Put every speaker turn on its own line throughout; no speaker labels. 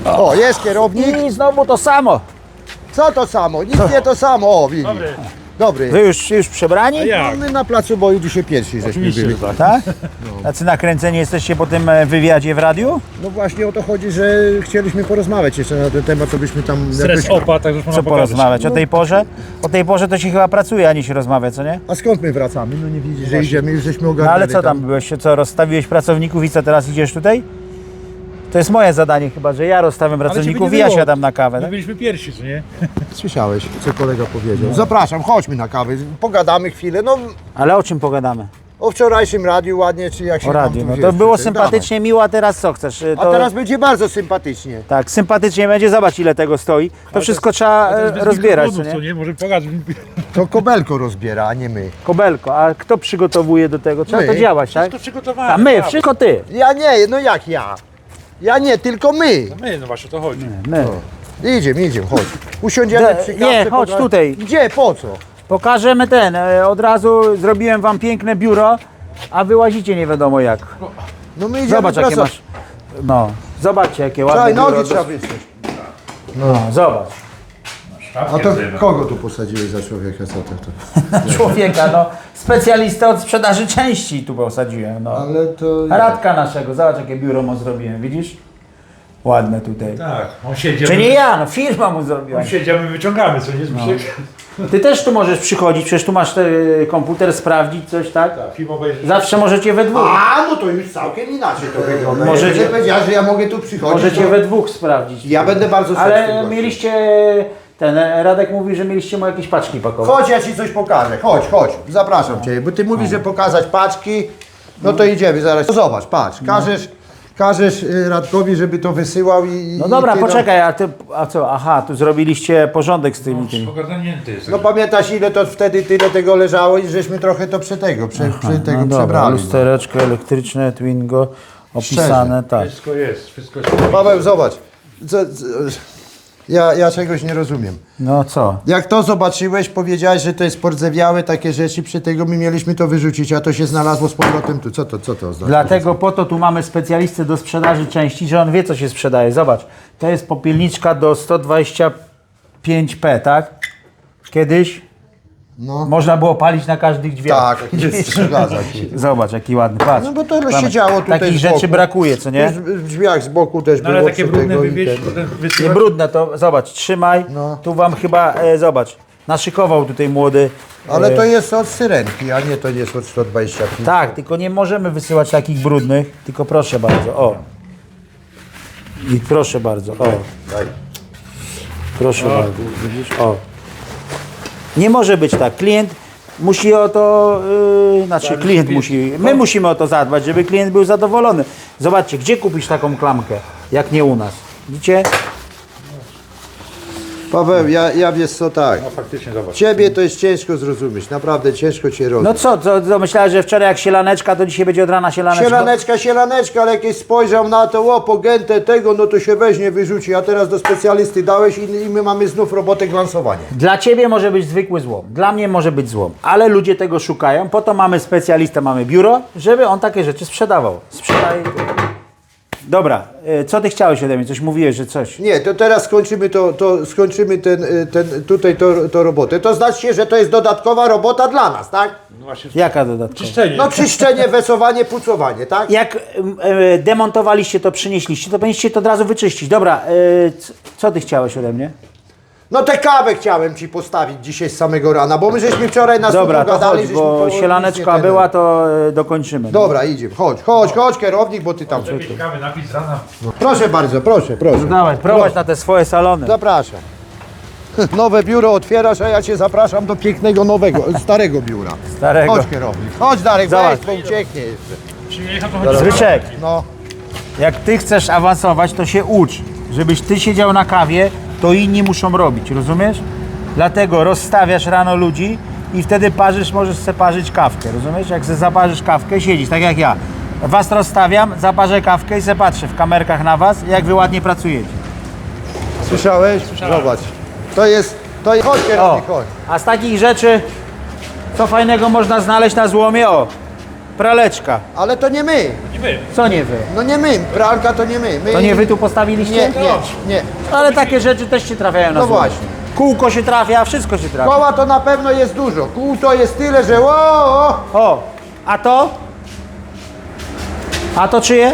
O, jest kierownik.
I znowu to samo.
Co to samo? Nic nie to samo. O, widzisz. Dobry.
Wy już przebrani?
No, my na placu boju dzisiaj pierwsi żeśmy byli.
Tak? Tacy nakręceni jesteście po tym wywiadzie w radiu?
No właśnie o to chodzi, że chcieliśmy porozmawiać jeszcze na ten temat, to byśmy tam...
Stres opa, tak już można
Co porozmawiać? O tej porze? O tej porze to się chyba pracuje, a nie się rozmawia, co nie?
A skąd my wracamy? No nie widzisz, że idziemy, już żeśmy
No
ogarnęli.
ale co tam byłeś? Co, rozstawiłeś pracowników i co, teraz idziesz tutaj? To jest moje zadanie chyba, że ja rozstawiam pracowników i ja siadam na kawę.
My
Tak?
byliśmy pierwsi, co nie?
Słyszałeś, co kolega powiedział. Zapraszam, chodźmy na kawę, pogadamy chwilę. No
Ale o czym pogadamy?
o wczorajszym radiu ładnie, czy jak się
O
tam
radiu.
tu
No
wiesz,
to było
tutaj,
sympatycznie, miło, a teraz co chcesz?
dawaj.
To...
A teraz będzie bardzo sympatycznie.
Tak, sympatycznie będzie, zobacz ile tego stoi. To wszystko trzeba rozbierać, co
Co
nie?
nie? Może pokażę.
To Kobelko rozbiera, a nie my.
Kobelko, a kto przygotowuje do tego? Trzeba
My.
to działać, tak?
To przygotowane.
A my, wszystko ty.
Ja nie, no jak ja? Ja nie, tylko my.
My, no właśnie o to chodzi.
My.
Idziemy, chodź. Usiądziemy przy kawce.
Nie, chodź tutaj.
Gdzie, po co?
Pokażemy od razu zrobiłem wam piękne biuro, a wy łazicie nie wiadomo jak.
No my idziemy
Zobacz jakie
pracować.
masz, no, zobaczcie jakie ładne
Czekaj,
biuro.
nogi trzeba wysłać.
No, zobacz.
A to kogo tu posadziłeś za człowieka? Co to?
Człowieka, no, specjalista od sprzedaży części tu posadziłem, no.
Ale to...
Radka naszego, zobacz jakie biuro mu zrobiłem, widzisz? Ładne tutaj.
Tak, on siedzi.
Czy nie ja, no firma mu zrobiła.
On siedzi, a my wyciągamy, co nie? Zbyszek?
Ty też tu możesz przychodzić, przecież tu masz komputer, sprawdzić coś, tak?
Tak, film obejrzy.
Zawsze możecie we dwóch.
A, no to już całkiem inaczej to wygląda.
Możecie-
Możecie powiedzieć, że ja mogę tu przychodzić.
Możecie
to...
we dwóch sprawdzić.
Ja będę bardzo
Ale
serdecznie.
mieliście, Radek mówi, że mieliście mu jakieś paczki pakować.
Chodź, ja ci coś pokażę. Chodź. Zapraszam cię, bo ty mówisz, że pokazać paczki. No to idziemy zaraz. No zobacz, patrz. Każesz Radkowi, żeby to wysyłał i...
No dobra,
ty,
poczekaj, a co? Aha, tu zrobiliście porządek z tymi.
Ogarnięty jest.
No pamiętasz ile to wtedy tyle tego leżało i żeśmy trochę to przy tego
No dobra,
przebrali.
lustereczko elektryczne, Twingo, opisane, tak.
Wszystko jest.
Paweł, zobacz. Ja czegoś nie rozumiem.
No co?
Jak to zobaczyłeś, powiedziałeś, że to jest pordzewiałe, takie rzeczy, przy tego my mieliśmy to wyrzucić, a to się znalazło z powrotem tu. Co to oznacza?
Dlatego po to tu mamy specjalistę do sprzedaży części, że on wie co się sprzedaje. Zobacz, to jest popielniczka do 125p, tak? Kiedyś
No.
można było palić na każdych drzwiach.
Tak, zgadza się.
Zobacz, jaki ładny, patrz.
No bo to
Mamy.
siedziało tutaj
Takich
z boku.
rzeczy brakuje, co nie?
W drzwiach z boku też
No
było
ale takie
przy
brudne
tego i
wywieźć,
ten.
potem
Nie
wysyłać.
brudne to, zobacz, trzymaj.
No.
Tu wam chyba, zobacz, naszykował tutaj młody.
Ale to jest od syrenki, a nie to jest od 125.
Tak, tylko nie możemy wysyłać takich brudnych, tylko proszę bardzo, o. I proszę bardzo, o.
Daj.
Proszę bardzo, widzisz, o. Nie może być tak, klient musi o to, klient musi, my musimy o to zadbać, żeby klient był zadowolony. Zobaczcie, gdzie kupisz taką klamkę, jak nie u nas, widzicie?
Paweł, ja wiesz co, tak.
No faktycznie, zobacz.
Ciebie to jest ciężko zrozumieć, naprawdę ciężko cię rozumieć.
No co myślałeś, że wczoraj jak sielaneczka, to dzisiaj będzie od rana sielaneczka?
Sielaneczka, ale jakieś spojrzał na to, pogętę tego, no to się weźmie, wyrzuci, a teraz do specjalisty dałeś i my mamy znów robotę glansowania.
Dla ciebie może być zwykły złom, dla mnie może być złom, ale ludzie tego szukają, po to mamy specjalistę, mamy biuro, żeby on takie rzeczy sprzedawał. Sprzedaje. Dobra, co ty chciałeś ode mnie? Coś mówiłeś, że coś.
Nie, to teraz skończymy tę robotę. To znaczy, że to jest dodatkowa robota dla nas, tak?
No właśnie.
Jaka dodatkowa?
Czyszczenie.
No czyszczenie, wesowanie, pucowanie, tak?
Jak demontowaliście to, przynieśliście, to powinniście to od razu wyczyścić. Dobra, co ty chciałeś ode mnie?
No tę kawę chciałem ci postawić dzisiaj z samego rana, bo my żeśmy wczoraj na
Dobra,
studiu
to
gadali,
chodź,
żeśmy
bo
nic
sielaneczka
nie
była, to dokończymy.
Dobra, idziemy, chodź kierownik, bo ty tam...
Kawy napić z rana.
Proszę bardzo, proszę.
Dawaj, prowadź na te swoje salony.
Zapraszam. Nowe biuro otwierasz, a ja cię zapraszam do pięknego nowego, starego biura.
Starego.
Chodź kierownik, chodź Darek,
Zobacz.
weź, bo ucieknie jeszcze.
Przyjechał to chodzi.
Zbyszek,
No,
jak ty chcesz awansować, to się ucz. Żebyś ty siedział na kawie, to inni muszą robić, rozumiesz? Dlatego rozstawiasz rano ludzi i wtedy możesz sobie parzyć kawkę, rozumiesz? Jak sobie zaparzysz kawkę, siedzisz, tak jak ja. Was rozstawiam, zaparzę kawkę i se patrzę w kamerkach na was, jak wy ładnie pracujecie.
słyszałeś? Zobacz. To jest, chodź
O,
kierownik, chodź.
a z takich rzeczy, co fajnego można znaleźć na złomie? O, praleczka.
Ale to nie my.
wy.
Co nie wy?
No nie my, pralka to nie my.
To nie wy tu postawiliście?
Nie.
Ale takie rzeczy też się trafiają na
No
złocie.
właśnie.
Kółko się trafia, wszystko się trafia.
Koła to na pewno jest dużo. Kół to jest tyle, że
O, a to? A to czyje?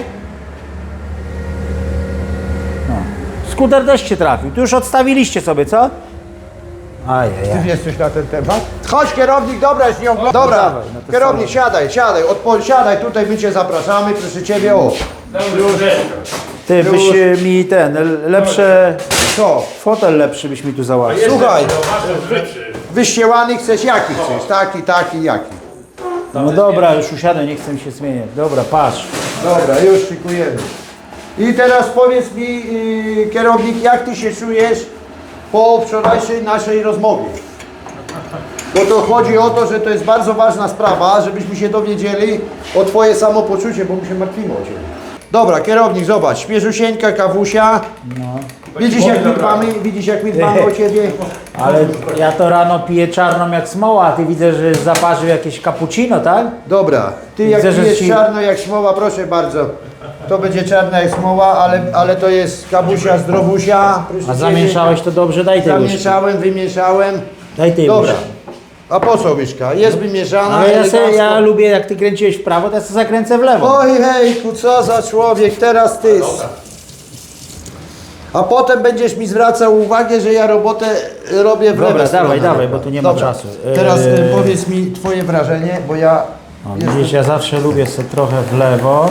No. Skuter też się trafił. Tu już odstawiliście sobie, co? Ajajaj.
Ty wiesz coś na ten temat? Chodź kierownik, dobra, już nie oglądam. Dobra,
dawaj, no to
kierownik, siadaj, siadaj, tutaj my cię zapraszamy, proszę ciebie, o.
Ty, byś mi lepsze,
Co?
fotel lepszy byś mi tu załatwił.
Słuchaj, wyścielany chcesz, jaki chcesz? Taki, jaki.
No dobra, już usiadłem, nie chcę mi się zmieniać. Dobra, patrz.
Dobra, już szykujemy. I teraz powiedz mi, kierownik, jak ty się czujesz po wczorajszej naszej rozmowie? Bo to chodzi o to, że to jest bardzo ważna sprawa, żebyśmy się dowiedzieli o twoje samopoczucie, bo my się martwimy o ciebie. Dobra, kierownik, zobacz, świeżusieńka kawusia. Widzisz jak my dbamy o ciebie?
Ale ja to rano piję czarną jak smoła, a ty widzę, że zaparzył jakieś cappuccino, tak?
Dobra, ty jak
Widzę, że
pijesz
ci-
czarno jak smoła, proszę bardzo. To będzie czarna jak smoła, ale to jest kawusia zdrowusia. Proszę
A
ciebie.
zamieszałeś to dobrze, daj tej łyżki.
Zamieszałem, wymieszałem.
Daj tej
Dobra.
łyżki.
A po co łyżka? Jest wymieszana.
Ale
elegancko.
ja lubię, jak ty kręciłeś w prawo, to ja sobie zakręcę w lewo.
Oj hejku, co za człowiek, teraz ty. A potem będziesz mi zwracał uwagę, że ja robotę robię w
Dobra,
lewej stronie.
dawaj, bo tu nie ma
Dobra.
czasu.
Teraz powiedz mi twoje wrażenie, bo ja...
O, widzisz, ja zawsze lubię sobie trochę w lewo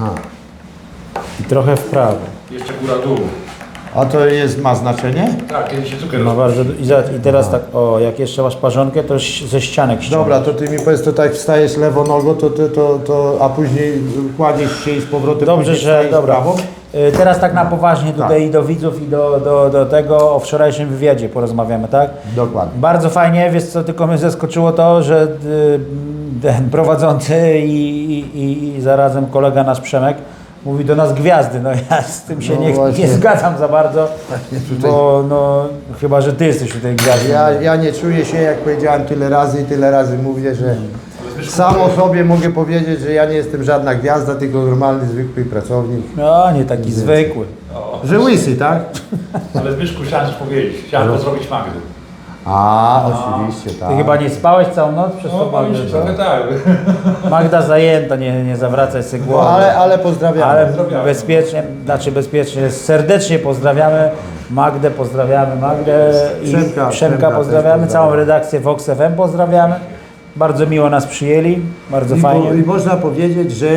i trochę w prawo.
Jeszcze góra-dół.
A to ma znaczenie?
Tak, kiedy się cukier
No bardzo, i teraz tak, o, jak jeszcze masz parzonkę, to ze ścianek ściągnę.
Dobra, to ty mi powiedz, to tak wstajesz lewą nogą, a później kładziesz się i z powrotem
Dobrze,
później
że
wstajesz
dobra.
prawą?
Teraz tak na poważnie tutaj i do widzów i do tego o wczorajszym wywiadzie porozmawiamy, tak?
Dokładnie.
Bardzo fajnie, wiesz co, tylko mnie zaskoczyło to, że ten prowadzący i zarazem kolega nasz Przemek mówi do nas gwiazdy. No ja z tym się
No
nie
właśnie.
zgadzam za bardzo, bo no chyba, że ty jesteś tutaj gwiazdą.
Ja nie czuję się, jak powiedziałem tyle razy mówię, że sam o sobie mogę powiedzieć, że ja nie jestem żadna gwiazda, tylko normalny, zwykły pracownik.
No nie taki zwykły.
Że łysy, tak?
Ale Zbyszku chciałem coś powiedzieć. Chciałem pozdrowić Magdę.
A, oczywiście, tak.
Ty chyba nie spałeś całą noc przez
No,
to
powiem ci trochę tak.
Magda zajęta, nie zawracaj sobie głowy.
No, ale pozdrawiam.
Ale bezpiecznie, serdecznie pozdrawiamy Magdę, i Przemka pozdrawiamy, całą redakcję Vox FM pozdrawiamy. Bardzo miło nas przyjęli, bardzo fajnie.
I można powiedzieć, że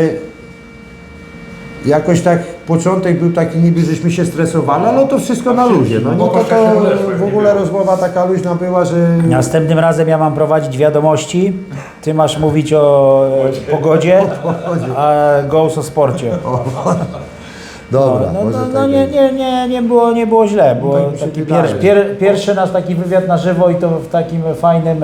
jakoś tak początek był taki niby, żeśmy się stresowali, ale to wszystko na luzie. No nie, to w ogóle rozmowa taka luźna była, że...
Następnym razem ja mam prowadzić wiadomości, ty masz mówić o pogodzie, a Ghost o sporcie.
Dobra,
No,
może
no
tak
nie było źle, bo
Tak mi się
taki
wydaje.
pierwszy nasz taki wywiad na żywo i to w takim fajnym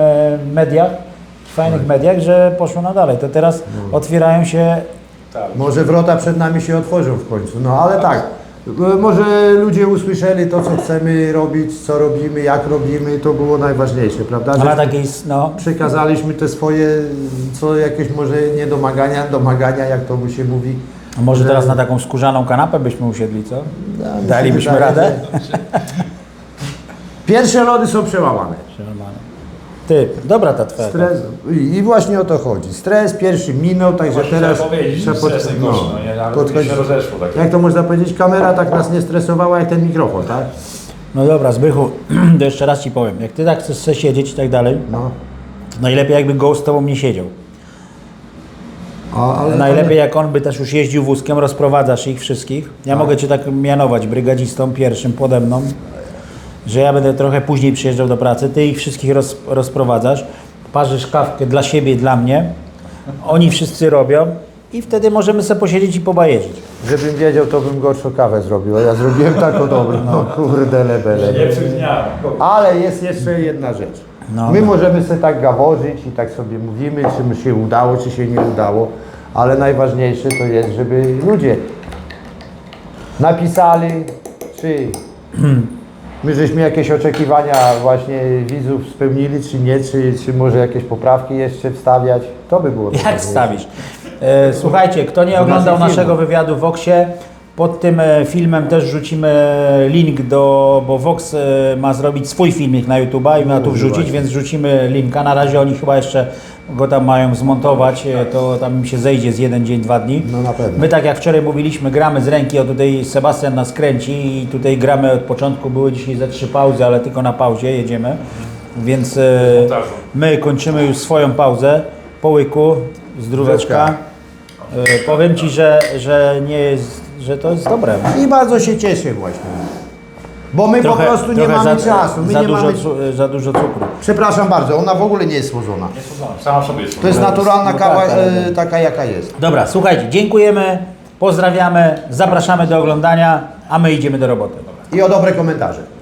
fajnych mediach, że poszło na dalej. To teraz otwierają się.
Może wrota przed nami się otworzą w końcu, no ale tak. Może ludzie usłyszeli to, co chcemy robić, co robimy, jak robimy, to było najważniejsze, prawda?
Ale
Że
takiej, no,
przekazaliśmy te swoje, co jakieś może domagania, jak to mu się mówi.
a może teraz na taką skórzaną kanapę byśmy usiedli, co?
mi się
Dalibyśmy
wydaje,
radę?
Pierwsze lody są przełamane.
Ty, dobra ta twoja.
Stres, i właśnie o to chodzi. Stres pierwszy minął, także
Właśnie
teraz
chciałem powiedzieć,
trzeba
stres najgorszy, no nie, ale
podchodzić.
się rozeszło tak.
Jak to można powiedzieć, kamera tak nas nie stresowała jak ten mikrofon, tak?
No dobra, Zbychu, to jeszcze raz ci powiem. Jak ty tak chcesz siedzieć i tak dalej,
No.
najlepiej jakby Ghost z tobą nie siedział.
Ale
Najlepiej jak on by też już jeździł wózkiem, rozprowadzasz ich wszystkich. Ja mogę cię tak mianować brygadzistą pierwszym pode mną, że ja będę trochę później przyjeżdżał do pracy, ty ich wszystkich rozprowadzasz, parzysz kawkę dla siebie i dla mnie, oni wszyscy robią i wtedy możemy sobie posiedzieć i pobajeżyć.
Żebym wiedział, to bym gorszą kawę zrobił, a ja zrobiłem taką dobrą, no kurde lebele.
Nie psuj dnia.
Ale jest jeszcze jedna rzecz.
No.
My możemy sobie tak gaworzyć i tak sobie mówimy, czy mi się udało, czy się nie udało, ale najważniejsze to jest, żeby ludzie napisali, czy my żeśmy jakieś oczekiwania właśnie widzów spełnili, czy nie, czy może jakieś poprawki jeszcze wstawiać. To by było
Jak
najważniejsze.
wstawisz? Słuchajcie, kto nie oglądał
naszych
naszego
filmów.
wywiadu w Voxie, pod tym filmem też rzucimy link bo Vox ma zrobić swój filmik na YouTube'a i ma tu wrzucić,
właśnie.
więc rzucimy linka. Na razie oni chyba jeszcze go tam mają zmontować, to tam im się zejdzie z 1 dzień, 2 dni.
No na pewno.
My tak jak wczoraj mówiliśmy, gramy z ręki, o tutaj Sebastian nas kręci i tutaj gramy od początku, były dzisiaj ze 3 pauzy, ale tylko na pauzie jedziemy. Więc
montażu.
my kończymy już swoją pauzę po łyku, zdróweczka. Powiem Ci, że nie jest, że to jest dobre.
I bardzo się cieszę właśnie. Bo my po prostu nie mamy czasu. My
za,
nie
dużo,
mamy...
za dużo cukru.
Przepraszam bardzo, ona w ogóle nie jest słodzona.
Nie słodzona, sama w sobie jest
To jest
słodzona.
naturalna
No
kawa,
tak, ale-
taka jaka jest.
Dobra, słuchajcie, dziękujemy, pozdrawiamy, zapraszamy do oglądania, a my idziemy do roboty.
I o dobre komentarze.